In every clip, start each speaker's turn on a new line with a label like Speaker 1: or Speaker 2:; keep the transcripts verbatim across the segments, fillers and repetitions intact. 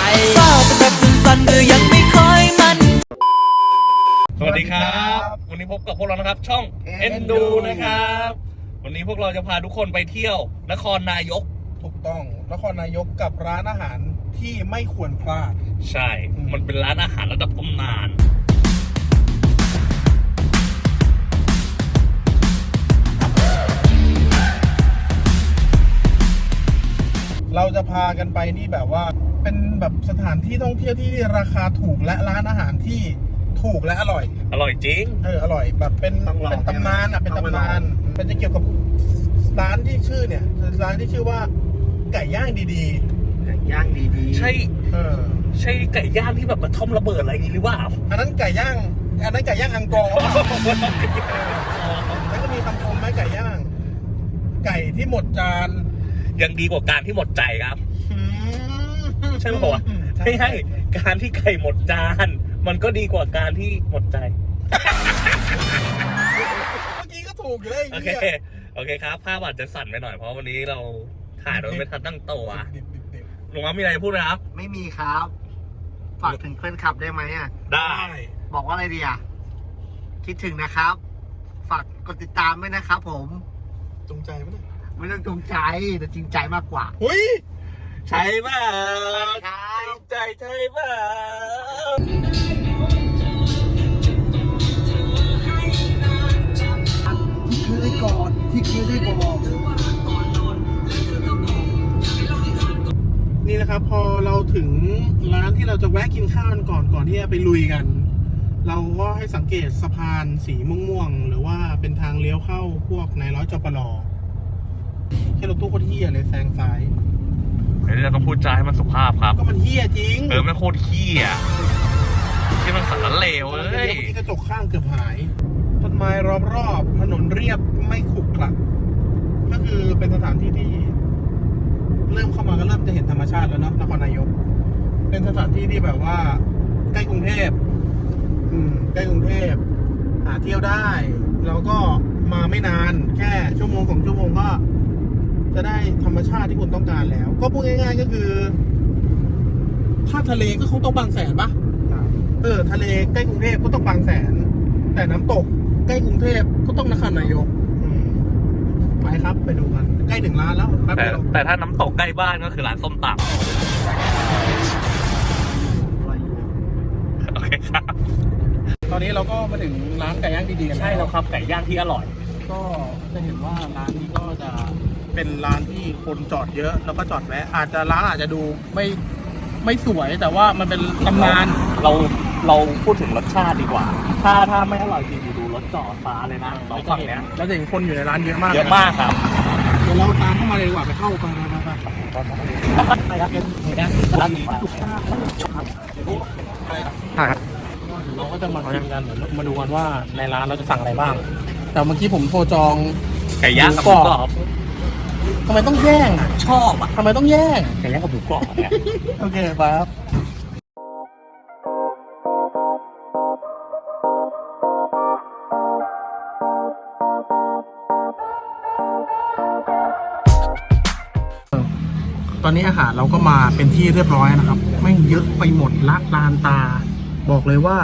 Speaker 1: ทราบเป็นแบบสั้นๆหรือยังไม่ค่อยมัน
Speaker 2: สวัสดีครับวันนี้พบกับพวกเรานะครับช่องเอ็นดูนะครับวันนี้พวกเราจะพาทุกคนไปเที่ยวนครนายก
Speaker 3: ถูกต้องนครนายกกับร้านอาหารที่ไม่ควรพลาด
Speaker 2: ใช่มันเป็นร้านอาหารระดับตำนาน
Speaker 3: เราจะพากันไปนี่แบบว่าเป็นแบบสถานที่ท่องเที่ยวที่ราคาถูกและร้านอาหารที่ถูกและอร่อย
Speaker 2: อร่อยจริง
Speaker 3: เอออร่อยแบบเป็นเป็นตำนานอ่ะเป็นตำนานมันจะเกี่ยวกับร้านที่ชื่อเนี่ยร้านที่ชื่อว่าไก่ย่างดีๆไก่ย่างดีๆ
Speaker 2: ใช่
Speaker 3: เออ
Speaker 2: ใช่ไก่ย่างที่แบบกระท่อมระเบิดอะไรอย่างนี้หรือเปล่า
Speaker 3: อันนั้นไก่ย่างอันนั้นไก่ย่างอังกอร์แล้วก็มีคำชมไหมไก่ย่างไก่ที่หมดจาน
Speaker 2: ยังดีกว่าการที่หมดใจครับใช่ไหมวะไม่ใช่การที่ไก่หมดจานมันก็ดีกว่าการที่หมดใจ
Speaker 3: เมื่อกี้ก็ถูกอยู่เลย
Speaker 2: โอเคโอเคครับภาพอาจจะสั่นไปหน่อยเพราะวันนี้เราถ่ายโดยไม่ทันตั้งตัวลุงมั้มมีอะไรพูดไหมครับ
Speaker 4: ไม่มีครับฝากถึงเพื่อนขับได้ไหมอ่ะ
Speaker 2: ได้
Speaker 4: บอกว่าอะไรดีอ่ะคิดถึงนะครับฝากกดติดตามด้วยนะครับผม
Speaker 3: จงใจไหมเนี่ย
Speaker 4: ไม่ต้องจงใจแต่จริงใจมากกว่า
Speaker 3: หุ้ย
Speaker 2: ใช่ป่ะ
Speaker 4: จริ
Speaker 2: งใจใช่ป่ะ
Speaker 4: ที่เคยได้กอดที่เคยได้บอก
Speaker 3: นี่นะครับพอเราถึงร้านที่เราจะแวะกินข้าวกันก่อนก่อนที่จะไปลุยกันเราก็ให้สังเกตสะพานสีม่วงๆหรือว่าเป็นทางเลี้ยวเข้าพวกนายร้อยจปลแค่รถตู้โคตรเฮี้ยเลยแซงซ้าย
Speaker 2: เดี๋ยวเราต้องพูดจาให้มันสุภาพครับ
Speaker 3: ก็มันเฮี้ยจริง
Speaker 2: เออมันโคตรเฮี้ยที่มันสารเลวเอ้ย
Speaker 3: ที่กระจกข้างเกือบหายต้นไม้รอบรอบถนนเรียบไม่ขรุขระก็คือเป็นสถานที่ที่เริ่มเข้ามาก็เริ่มจะเห็นธรรมชาติแล้วเนาะนครนายกเป็นสถานที่ที่แบบว่าใกล้กรุงเทพอืมใกล้กรุงเทพหาเที่ยวได้แล้วก็มาไม่นานแค่ชั่วโมงสองชั่วโมงก็จะได้ธรรมชาติที่คุณต้องการแล้วก็พูดง่ายๆก็คือถ้าทะเลก็คงต้องบางแสนปะเออทะเลใกล้กรุงเทพก็ต้องบางแสนแต่น้ำตกใกล้กรุงเทพก็ต้องนครนายกไปครับไปดูกันใกล้ถึงร้านแล้ว
Speaker 2: แต่แต่ถ้าน้ำตกใกล้บ้านก็คือร้านส้มตำโอเคครับ
Speaker 3: ตอนนี้เราก็มาถึงร้านไก่ย่างดีๆกัน
Speaker 2: ใช่แล้วครับไก่ย่างที่อร่อย
Speaker 3: ก็จะเห็นว่าร้านนี้ก็จะเป็นร้านที่คนจอดเยอะแล้วก็จอดแวะอาจจะร้านอาจจะดูไม่ไม่สวยแต่ว่ามันเป็นตำนาน
Speaker 2: เราเราพูดถึงรสชาติดีกว่าถ้าถ้าไม่อร่อยจริงดูรสจอดฟ้าเลยนะเราฝั่งเนี้ย
Speaker 3: แล้วจะเห็นคนอยู่ในร้านเยอะมาก
Speaker 2: เยอะมากครับ
Speaker 3: เดี๋ยวเราตามเข้ามาเลยดีกว่าไปเข้าไปไปไปไป
Speaker 2: ไปครับเห็นไหมร้านนี้
Speaker 3: ครับเราก็จะมาคุยกันเหมือนมาดูกันว่าในร้านเราจะสั่งอะไรบ้างแต่เมื่อกี้ผมโทรจอง
Speaker 2: ไก่ย่างกับหมูกรอบ
Speaker 3: ทำไมต้องแย่งอ่ะ
Speaker 2: ชอบอ่ะ
Speaker 3: ทำไมต้องแย่ง
Speaker 2: ไก่ย่างกับหมูกรอบเนี่ย
Speaker 3: โอเคไปครับตอนนี้อาหารเราก็มาเป็นที่เรียบร้อยนะครับไม่เยอะไปหมดละลานตาบอกเลยว่า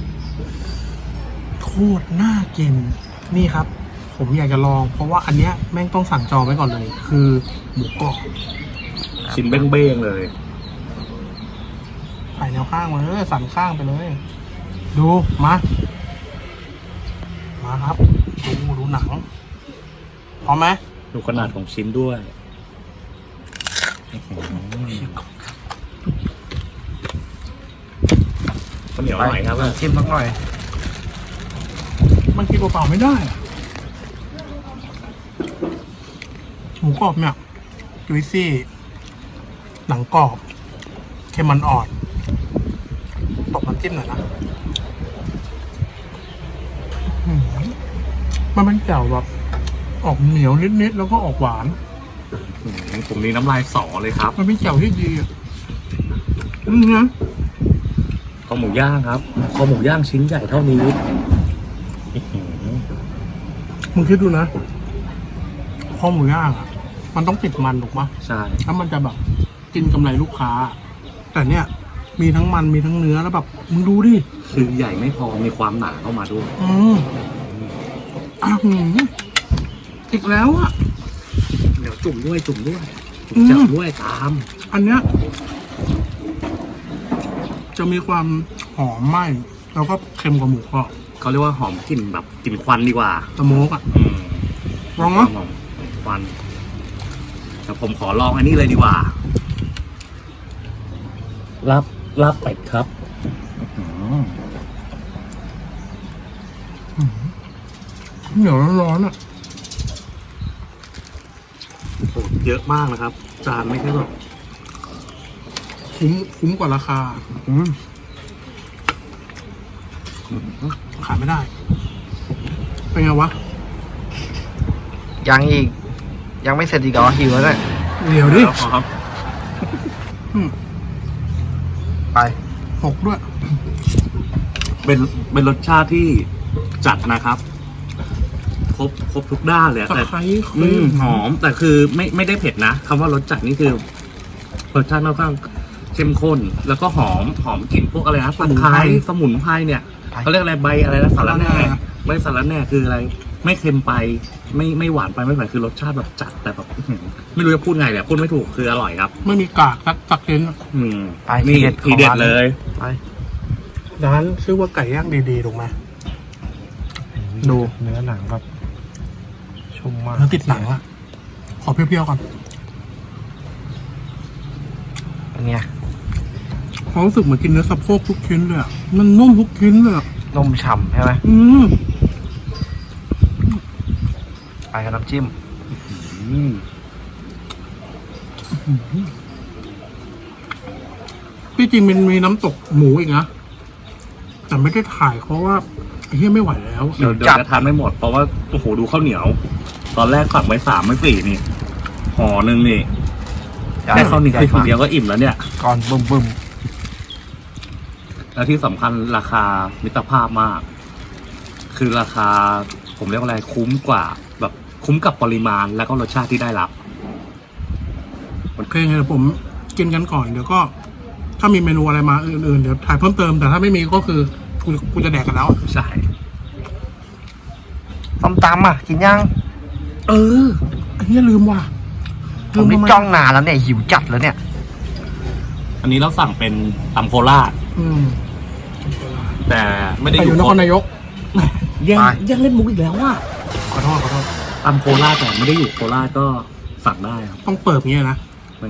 Speaker 3: โคตรน่ากินนี่ครับผมอยากจะลองเพราะว่าอันเนี้ยแม่งต้องสั่งจองไว้ก่อนเลยคือหมูกรอบ
Speaker 2: ชิ้นเบ้งๆเลย
Speaker 3: ถ่ายแนวข้างมาเลยสั่นข้างไปเลยดูมามาครับดูดูหนังพร้อมไหม
Speaker 2: ดูขนาดของชิ้นด้วยข้าวเหนียวหน่อยครับ
Speaker 3: ชิมสักหน่อยมันกินเปล่าๆไม่ได้หมูกรอบเนี่ยจุยซี่หนังกรอบเค็มมันอ่อนตบน้ำจิ้มหน่อยนะมันเป็นแจ่วแบบออกเหนียวนิดๆแล้วก็ออกหวาน
Speaker 2: ผมนี่น้ำลายสอเลยครับ
Speaker 3: มันเป็นแจ่วที่ดีอืมนะ
Speaker 2: คอหมูย่างครับคอหมูย่างชิ้นใหญ่เท่านี้
Speaker 3: มึงคิดดูนะคอหมูย่างอ่ะมันต้องติดมันถูกปะ
Speaker 2: ใช่
Speaker 3: ถ้ามันจะแบบกินกำไรลูกค้าแต่เนี่ยมีทั้งมันมีทั้งเนื้อแล้วแบบมึงดูดิ
Speaker 2: คือใหญ่ไม่พอมีความหนาเข้ามาด้วย
Speaker 3: อืมอ่ะหืมอีกแล้วอ่ะ
Speaker 2: เดี๋ยวจุ่มด้วยจุ่มด้วย
Speaker 3: อืม
Speaker 2: จับด้วยตาม
Speaker 3: อันเนี้ยจะมีความหอมไหม้แล้วก็เค็มกว่าหมูกรอบ
Speaker 2: เขาเรียกว่าหอมกลิ่นแบบกลิ่นควันดีกว่า
Speaker 3: สโมกอ่ะ
Speaker 2: อืม
Speaker 3: ลองเนาะ
Speaker 2: หอมควันแต่ผมขอลองอันนี้เลยดีกว่าลาบลาบเป็ดครับอืม
Speaker 3: เหนียวร้อนๆอ่ะ
Speaker 2: โอ้เยอะมากนะครับ จานไม่ใช่แบบ
Speaker 3: คุ้มคุ้มกว่าราคา
Speaker 2: อืม
Speaker 3: ขายไม่ได้ เป็นไงวะ
Speaker 4: ยังอีก ยังไม่เสร็จอีกเหรอหิวแล้วเนี่ย
Speaker 3: เดี๋ยวดิ
Speaker 2: แล้วครับ
Speaker 3: อืม
Speaker 4: ไป
Speaker 3: หกด้วย
Speaker 2: เป็นเป็นรสชาติที่จัดนะครับ ครบครบทุกด้านเลยอะ
Speaker 3: ตะ
Speaker 2: แต่
Speaker 3: ไคร้
Speaker 2: อืมหอมแต่คือไม่ไม่ได้เผ็ดนะคำว่ารสจัดนี่คือรสชาติค่อนข้างเข้มข้น แล้วก็หอมหอมกลิ่นพวกอะไรนะตะไคร้สมุนไพรเนี่ยเขาเรียกอะไรใบอะไรนะสาระแหน่ใบสาระแหน่คืออะไร ไม่เค็มไป ไม่ไม่หวานไปไม่หวานคือรสชาติแบบจัดแต่แบบอื้อหือไม่รู้จะพูดไงแบบพูดไม่ถูกคืออร่อยครับ
Speaker 3: ไม่มีกากสักสักเซน
Speaker 2: อืม
Speaker 4: ไป
Speaker 2: นี่
Speaker 4: ที
Speaker 2: ที
Speaker 4: เด็
Speaker 2: เด็
Speaker 4: ด
Speaker 2: ด
Speaker 4: ของร้าน
Speaker 2: เลย
Speaker 4: ไป
Speaker 3: ร้านชื่อว่าไก่ย่างดีๆถูกไหม ดู
Speaker 4: เนื้อหนังแบบชุ่มมาก
Speaker 3: แล้วติดหนังอ่ะ ขอเปรี้ยวๆก่อน
Speaker 4: เป็นไง
Speaker 3: ความรู้สึกเหมือนกินเนื้อสะโพกทุกชิ้นเลยอ่ะ มันนุ่มทุกชิ้นเลยอ่ะ
Speaker 4: นมฉ่ำใช่ไหม
Speaker 3: อืม
Speaker 4: ไปกับน้ำจิ้ม
Speaker 2: อืม
Speaker 3: ที่จริงมันมีน้ำตกหมูอีกนะ แต่ไม่ได้ถ่ายเพราะว่าไอ้เหี้ยไม่ไหวแล้ว
Speaker 2: เดี๋ยวเดี๋ยวจะทานไม่หมดเพราะว่าโอ้โหดูข้าวเหนียว ตอนแรกสั่งไว้สามไม่สี่นี่ห่อหนึ่งนี่แค่ข้าวเหนียวทีเดียวก็อิ่มแล้วเนี่ย
Speaker 4: ก่อนบึมบึม
Speaker 2: แล้วที่สำคัญราคามิตรภาพมาก คือราคาผมเรียกว่าอะไรคุ้มกว่า แบบคุ้มกับปริมาณแล้วก็รสชาติที่ได้รับ
Speaker 3: โอเคเดี๋ยวผมกินกันก่อน เดี๋ยวก็ ถ้ามีเมนูอะไรมาอื่นๆ เดี๋ยวถ่ายเพิ่มเติม แต่ถ้าไม่มีก็คือกูกูจะแดกกันแล้ว
Speaker 2: ใช่
Speaker 4: ส้มตำอ่ะ กินยัง
Speaker 3: เออไอ้เหี้ยลืมว่ะ
Speaker 4: ผมนี่
Speaker 3: ทำไ
Speaker 4: จ้องนานแล้วเนี่ย หิวจัดแล้วเนี่ย
Speaker 2: อันนี้เราสั่งเป็นตำโคราช
Speaker 3: อืม
Speaker 2: แต่ไม่ได้
Speaker 3: แต่
Speaker 2: อ
Speaker 3: อยู่
Speaker 2: ยู่
Speaker 3: นครนายก
Speaker 2: ยัง
Speaker 4: ไป
Speaker 2: ยังเล่นมุกอีกแล้วว่ะ
Speaker 3: ขอโทษขอโทษ
Speaker 2: ตำโคราชแต่ไม่ได้อยู่โคราชก็สั่งได้ครับ
Speaker 3: ต้องเปิดเงี้ยนะ
Speaker 2: ไม่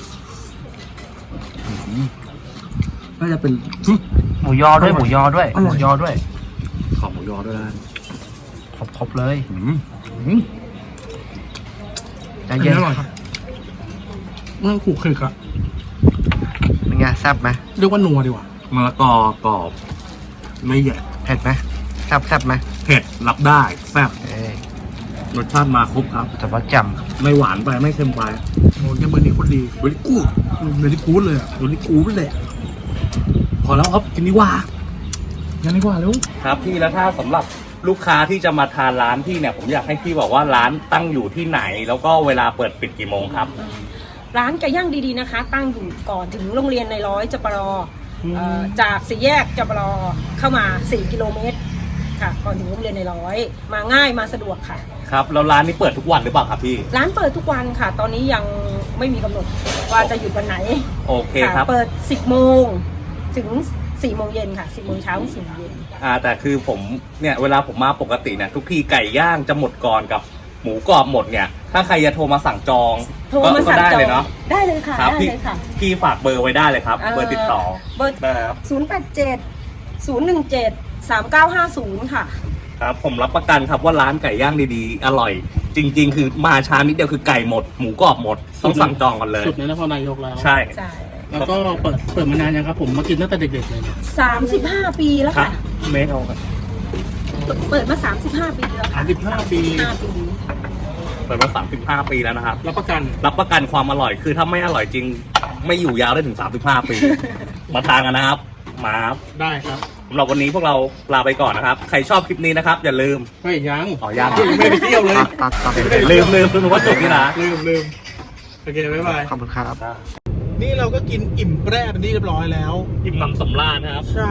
Speaker 2: อืมน่าจะเป็น
Speaker 4: หมูยอด้วย หมูยอด้วย
Speaker 3: อร่อย
Speaker 4: หมูยอด้วย
Speaker 2: ขอบหมูยอด้วยนะ
Speaker 4: ครบๆเลย
Speaker 2: อืมอืม
Speaker 4: ใจเย็น
Speaker 3: อร่อยมันขู่คลิกอะ
Speaker 4: เป็นไงแซ่บไหม
Speaker 3: เรียกว่านัวดีกว่า
Speaker 2: มะละกอกรอบ ไม่ใหญ่
Speaker 4: เผ็ดไหมแซ่บแซ่บไหม
Speaker 2: เผ็ดรับได้แซ่บ
Speaker 4: เอ้ย
Speaker 2: รสชาติมาครบครับ
Speaker 4: แต่ว่าแจ่ม
Speaker 2: ไม่หวานไปไม่เค็มไป
Speaker 3: โอ้ยเบอร์นี้โคนดี
Speaker 2: เฮ้ยกูด
Speaker 3: เบอร์นี้กู๊ดเลยอะ
Speaker 2: เฮ้ยกูดเลยพอแล้วครับกินดีกว่า
Speaker 3: ยังดีกว่าเร็ว
Speaker 2: ครับพี่แล้วถ้าสำหรับลูกค้าที่จะมาทานร้านพี่เนี่ยผมอยากให้พี่บอกว่าร้านตั้งอยู่ที่ไหน แล้วก็เวลาเปิดปิดกี่โมงครับ
Speaker 5: ร้านไก่ย่างดีๆนะคะ ตั้งอยู่ก่อนถึงโรงเรียนในร้อยจปรเอ่อจากสี่แยกจปรเข้ามาสี่กิโลเมตรค่ะก่อนถึงโรงเรียนในร้อยมาง่ายมาสะดวกค่ะ
Speaker 2: ครับแล้วร้านนี้เปิดทุกวันหรือเปล่าครับพี่
Speaker 5: ร้านเปิดทุกวันค่ะ ตอนนี้ยังไม่มีกำหนดว่าจะหยุดวันไหน
Speaker 2: โอเคครับ
Speaker 5: ะเปิดสิบโมงถึงสี่โมงเย็นค่ะสิบโมงเช้าถึงสี่โมงเย็น
Speaker 2: อ่าแต่คือผมเนี่ยเวลาผมมาปกติเนี่ยทุกทีไก่ย่างจะหมดก่อนกับหมูกรอบหมดเนี่ย ถ้าใครจะโทรมาสั่งจอง
Speaker 5: โทร
Speaker 2: ก็
Speaker 5: มา
Speaker 2: ก็
Speaker 5: สั่ง
Speaker 2: ได้
Speaker 5: จอ
Speaker 2: เลย
Speaker 5: ง
Speaker 2: เนาะ
Speaker 5: ได้เลยค่ะ
Speaker 2: ครับ
Speaker 5: ได้
Speaker 2: พี่
Speaker 5: เลยค่ะ
Speaker 2: พี่ฝากเบอร์ไว้ได้เลยครับ เบอร์ติดต่อ
Speaker 5: เบอร์
Speaker 2: นะครับ
Speaker 5: ศูนย์แปดเจ็ดศูนย์หนึ่งเจ็ดสามเก้าห้าศูนย์ค่ะ
Speaker 2: ครับผมรับประกันครับว่าร้านไก่ย่างดีๆ อร่อย จริง ๆ คือมาช้านิดเดียวคือไก่หมดหมูกรอบหมดต้องสั่งจองก่อนเลย
Speaker 3: สุดในนครนายกแล้ว
Speaker 2: ใช่
Speaker 5: ใช่
Speaker 3: แล้วก็เปิดเปิดมานานยังครับ ผมมากินตั้งแต่เด็กๆเลยเนี่ย
Speaker 5: สามสิบห้าปีแล้ว
Speaker 2: ครับ
Speaker 5: ค่ะ
Speaker 2: เมตรเอาครับ
Speaker 5: เปิดมาสามสิบห้าปีแล้ว
Speaker 3: สา
Speaker 5: ค่ะ
Speaker 3: มสิบห้าปี
Speaker 5: ห้าปี
Speaker 2: เปิดมาสามสิบห้าปีแล้วนะครับ
Speaker 3: รับประกัน
Speaker 2: รับประกันความอร่อยคือถ้าไม่อร่อยจริง ไม่อยู่ยาวได้ถึงสามสิบห้าปี มาทานกันนะครับมาครับ
Speaker 3: ได้ครับ
Speaker 2: สำหรับวันนี้พวกเราลาไปก่อนนะครับ ใครชอบคลิปนี้นะครับ อย่าลืม
Speaker 3: ไม่ยัง
Speaker 2: อ๋อยัง
Speaker 3: ยังไม่ได้ไปเที่ยวเลย
Speaker 4: ตัดตัดตัด
Speaker 2: ลืมลืมลืมว่าจบนี่นะ
Speaker 3: ลืมลืมโอเค บ๊ายบาย
Speaker 4: ขอบคุณครับ
Speaker 3: นี่เราก็กินอิ่มแปร่เป็นที่เรียบร้อยแล้ว
Speaker 2: อิ่มหนำสำราญนะครับ
Speaker 3: ใช่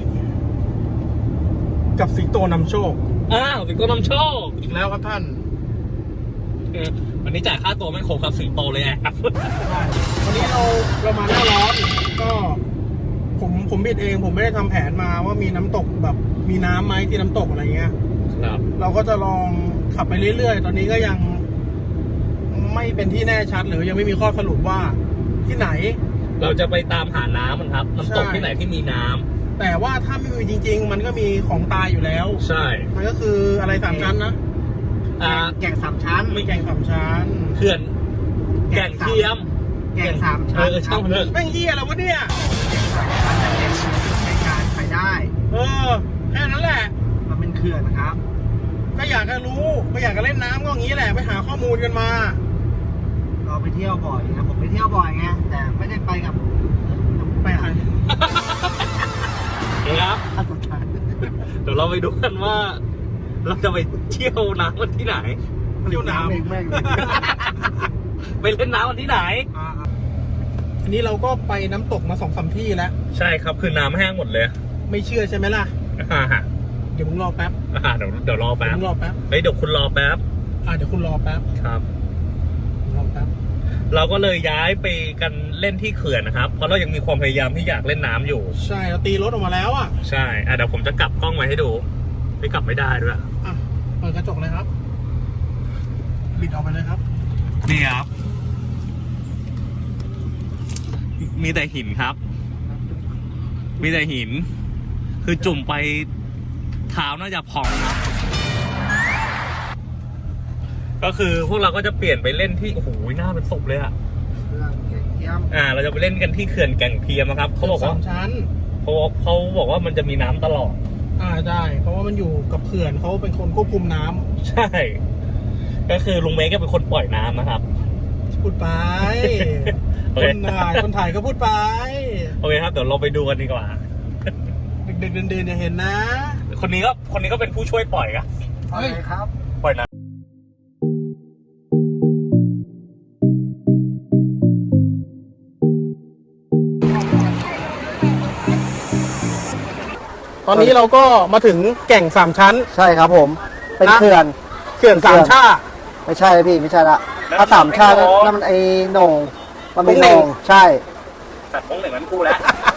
Speaker 3: กับสิงโตนำโชค
Speaker 2: อ้าวสิงโตนำโชค
Speaker 3: อีกแล้วครับท่าน
Speaker 2: วันนี้จ่ายค่าตัวไม่ครบครับสิงโตเลยครับ
Speaker 3: ใช่วันนี้เราเรามาหน้าร้อนก็ผมผมบิดเองผมไม่ได้ทำแผนมาว่ามีน้ำตกแบบมีน้ำไหมที่น้ำตกอะไรเงี้ย
Speaker 2: ครับ
Speaker 3: เราก็จะลองขับไปเรื่อยๆ ตอนนี้ก็ยังไม่เป็นที่แน่ชัดหรือยังไม่มีข้อสรุปว่าที่ไหน
Speaker 2: เราจะไปตามหาน้ำมันครับน้ำตก
Speaker 3: ใช่
Speaker 2: ที่ไหนที่มีน้ำ
Speaker 3: แต่ว่าถ้าไม่มีจริง ๆ มันก็มีของตายอยู่แล้ว
Speaker 2: ใช่
Speaker 3: มันก็คืออะไรสามชั้นนะ
Speaker 2: อ่า
Speaker 4: แก่งสามชั้น
Speaker 3: ไม่แกงสามชั้น
Speaker 2: เขื่อนแก่งเทียม
Speaker 4: แก่งสาม
Speaker 2: เอ
Speaker 4: ชั้น
Speaker 2: อช่างมันเถอะ
Speaker 3: แม่งเหี้ยอะไรวะเนี่ย
Speaker 4: ใช้การไปได้
Speaker 3: เออแค่นั้นแหละ
Speaker 4: มันเป็นเขื่อนนะครับ
Speaker 3: ก็อยากจะรู้ก็อยากจะเล่นน้ำก็อย่างนี้แหละไปหาข้อมูลกันมา
Speaker 4: เราไปเที่ยวบ่อยนะผมไปเที่ยวบ่อยไงแต่ไม่ได้ไปกับ
Speaker 3: ไปใคร
Speaker 2: ครับ
Speaker 4: ท่านสุดท้าย
Speaker 2: เดี๋ยวเราไปดูกันว่า เราจะไปเที่ยวน้ำกันที่ไหน
Speaker 3: เที่ยวน้
Speaker 4: เองแม่ง
Speaker 2: ไปเล่นน้ำกันที่ไหน
Speaker 3: ำอ่าอันนี้เราก็ไปน้ำตกมาสองสามที่แล้ว
Speaker 2: ใช่ครับคือน้ำแห้งหมดเลย
Speaker 3: ไม่เชื่อใช่ไหมล่ะ
Speaker 2: อ่าฮะ
Speaker 3: เดี๋ยวมึงรอแป๊บ
Speaker 2: อ่าเดี๋ยวเดี๋ยวรอ
Speaker 3: เดี๋ยว
Speaker 2: แป๊บ
Speaker 3: มึงรอแป๊บ
Speaker 2: เฮ้ยเดี๋ยวคุณรอแป๊บ
Speaker 3: อ่าเดี๋ยวคุณรอแป๊บ
Speaker 2: ครับ
Speaker 3: รอแป๊บ
Speaker 2: เราก็เลยย้ายไปกันเล่นที่เขื่อนนะครับ เพราะเรายังมีความพยายามที่อยากเล่นน้ำอยู่
Speaker 3: ใช่เราตีรถออกมาแล้วอ่ะ
Speaker 2: ใช่อ่ะเดี๋ยวผมจะกลับกล้องไว้ให้ดู ไม่กลับไม่ได้ด้วย
Speaker 3: อ่ะเปิดกระจกเลยครับ บิดออกไปเลยครับ
Speaker 2: นี่ครับ มีแต่หินครับ มีแต่หิน คือจุ่มไปเท้าน่าจะพองครับก็คือพวกเราก็จะเปลี่ยนไปเล่นที่โอ้โหหน้าเป็นศพเลยอะ
Speaker 4: เรื่องแก่งเทียม
Speaker 2: อ่า เราจะไปเล่นกันที่เขื่อนแก่งเทียมนะครับเขาบอกว่า
Speaker 3: สามชั้น
Speaker 2: เขาเขาบอกว่ามันจะมีน้ำตลอด
Speaker 3: อ่าได้ เพราะว่ามันอยู่กับเขื่อนเขาเป็นคนควบคุมน้ำ
Speaker 2: ใช่ ก็คือลุงเมย์ก็เป็นคนปล่อยน้ำนะครับ
Speaker 3: พูดไป
Speaker 2: โอ
Speaker 3: ค
Speaker 2: เค
Speaker 3: นถ่ายคนถ่ายก็พูดไป
Speaker 2: โอเคครับเดี๋ยวเราไปดูกันดีกว่า
Speaker 3: เด็กๆเดินๆเนี่ยเห็นนะ
Speaker 2: คนนี้ก็คนนี้ก็เป็นผู้ช่วยปล่อยครับ
Speaker 4: เอาเลยครับ
Speaker 2: ปล่อยน้
Speaker 3: ตอนนี้เราก็มาถึงแก่งสามชั้น
Speaker 4: ใช่ครับผม เป็น
Speaker 3: นะ
Speaker 4: เขื่อน
Speaker 3: เขื่อนสามชา
Speaker 4: ไม่ใช่พี่ไม่ใช่ละถ้าสามชาตินั่นมันไอ้โหน่งมันเป็น
Speaker 3: โห
Speaker 4: โห
Speaker 3: น่
Speaker 4: น่
Speaker 3: ง
Speaker 4: งใช่
Speaker 2: ำสัตว์พงเหนึ่งนั้นกูแล้ว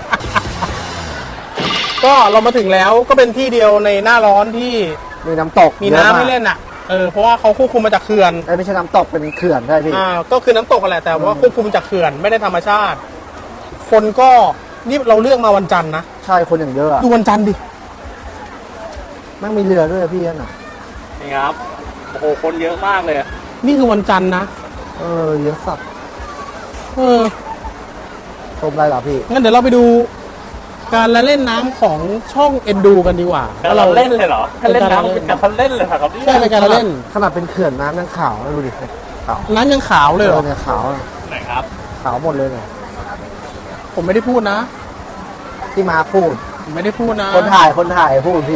Speaker 3: ก็เรามาถึงแล้วก็เป็นที่เดียวในหน้าร้อนที่
Speaker 4: มีน้ำตก
Speaker 3: มีน้ำให้เล่นอ่ะ เออเพราะว่าเขาควบคุมมาจากเขื่อน
Speaker 4: เอ้ยไม่ใช่น้ำตกเป็นเขื่อนใช่พี่
Speaker 3: อ่าก็คือน้ำตกกันแหละแต่ว่าควบคุมจากเขื่อนไม่ได้ธรรมชาติ คนก็นี่เราเลือกมาวันจันทร์นะ
Speaker 4: ใช่คนอย่างเยอะอะ
Speaker 3: ดูวันจันทร์ดิ
Speaker 4: แม่งมีเรือด้วยพี่นั่นน่ะ
Speaker 2: นี่ครับ โอ้โห คนเยอะมากเลย
Speaker 3: นี่คือวันจันทร์นะ
Speaker 4: เออเยอะสัตว์
Speaker 3: เออ
Speaker 4: ชมอะไรเหรอพี่
Speaker 3: งั้นเดี๋ยวเราไปดูการละเล่นน้ำของช่องเอ็นดูกันดีกว่า
Speaker 2: เราเล่นเลยเหรอถ้าเล่นน้ำเป็นการเล่นเลยครับ
Speaker 3: ใช่เป็นการละเล่น
Speaker 4: ขนาดเป็นเขื่อนน้ำยังขาวนะดูดิขาว
Speaker 3: น้ำยังขาวเลยเหรอ
Speaker 4: เนี่ยขาวอะ
Speaker 2: ไหนครับ
Speaker 4: ขาวหมดเลยเนี่ย
Speaker 3: ผมไม่ได้พูดนะ
Speaker 4: ที่มาพูด
Speaker 3: ผมไม่ได้พูดนะ
Speaker 4: คนถ่ายคนถ่ายพูดพี่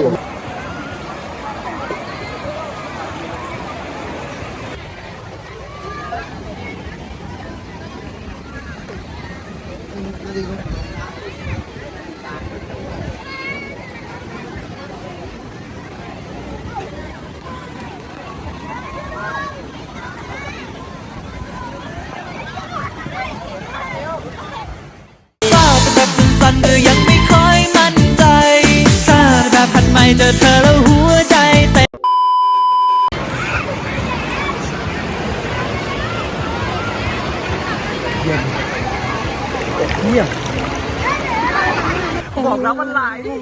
Speaker 1: ทราบแบบสั้นๆเธอยังไม่ค่อยมั่นใจทราบแบบพันใหม่เจอเธอแล้วหัวใจเต้น
Speaker 3: บอกน้ำมันไหล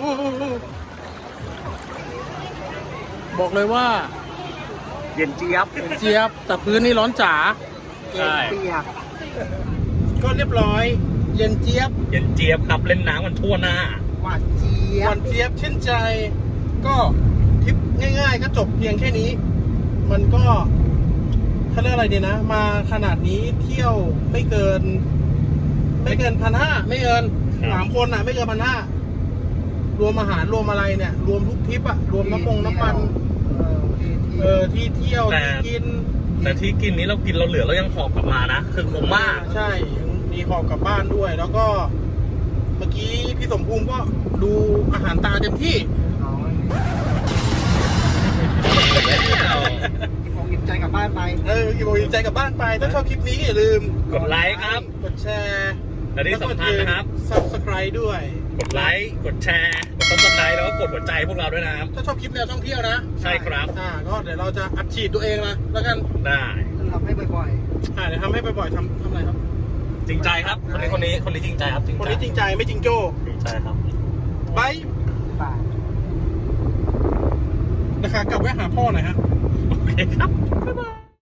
Speaker 3: บอกเลยว่า
Speaker 2: เย็นเจี๊ยบ
Speaker 3: เจี๊ยบแต่พื้นนี่ร้อนจ๋า
Speaker 2: ใช่
Speaker 4: เปียก
Speaker 3: ก็เรียบร้อย เย็นเจี๊ยบ
Speaker 2: เย็นเจี๊ยบครับ เล่นน้ำกันทั่วหน้า
Speaker 4: หวานเจี๊ย
Speaker 3: ห
Speaker 4: บ
Speaker 3: วานเจี๊ยบชื่นใจ ก็ทริปง่ายๆ ก็จบเพียงแค่นี้ มันก็เขาเรียกอะไรดีนะ มาขนาดนี้เที่ยวไม่เกิน ไม่เกินพันห้าไม่เกิน
Speaker 2: ครับ
Speaker 3: สามคนอ่ะ ไม่เกินพันห้ารวมอาหารรวมอะไรเนี่ย รวมทุกทริปอ่ะ รวมน้ำมงน้ำมัน
Speaker 4: เออที่ที่
Speaker 3: เออที่เที่ยว
Speaker 2: แต่
Speaker 3: ที่กิน
Speaker 2: แต่ที่กินนี้เรากินเราเหลือเรายังหอบกลับมานะ คือคุ้มมาก
Speaker 3: ใช่มีหอบกลับบ้านด้วย แล้วก็เมื่อกี้พี่สมภูมิก็ดูอาหารตาเต็มที่
Speaker 4: ผมอิ่มใจกลับบ้านไป
Speaker 3: เอออิ่มอกอิ่มใจกลับบ้านไป ถ้าชอบคลิปนี้อย่าลืม
Speaker 2: กดไลค์ครับ
Speaker 3: กดแชร์
Speaker 2: และที่สำคัญนะครับ
Speaker 3: ซับสไครต์ด้วย
Speaker 2: กดไลค์ กดแชร์ กดซับสไครต์แล้วก็กดหัวใจพวกเราด้วยนะครับ
Speaker 3: ถ้าชอบคลิปแนวท่องเที่ยวนะ
Speaker 2: ใช่ครับ
Speaker 3: อ่าก็เดี๋ยวเราจะอัดฉีดตัวเองนะแล้วกัน
Speaker 2: ได้
Speaker 4: ทำให้บ่อย
Speaker 3: อ่าเดี๋ยวทำให้บ่อยๆทำทำอะไรครับ
Speaker 2: จริงใจครับ คนนี้คนนี้คนนี้จริงใจครับจริง
Speaker 3: คน
Speaker 2: ใจ
Speaker 3: นี้จริงใจไม่จริงโจ้
Speaker 2: จริงใจครับ
Speaker 3: บาย
Speaker 4: ๆบาย
Speaker 3: นะคะกลับแวะหาพ่อหน่อยฮะ
Speaker 2: โอเคครับ บ๊ายบาย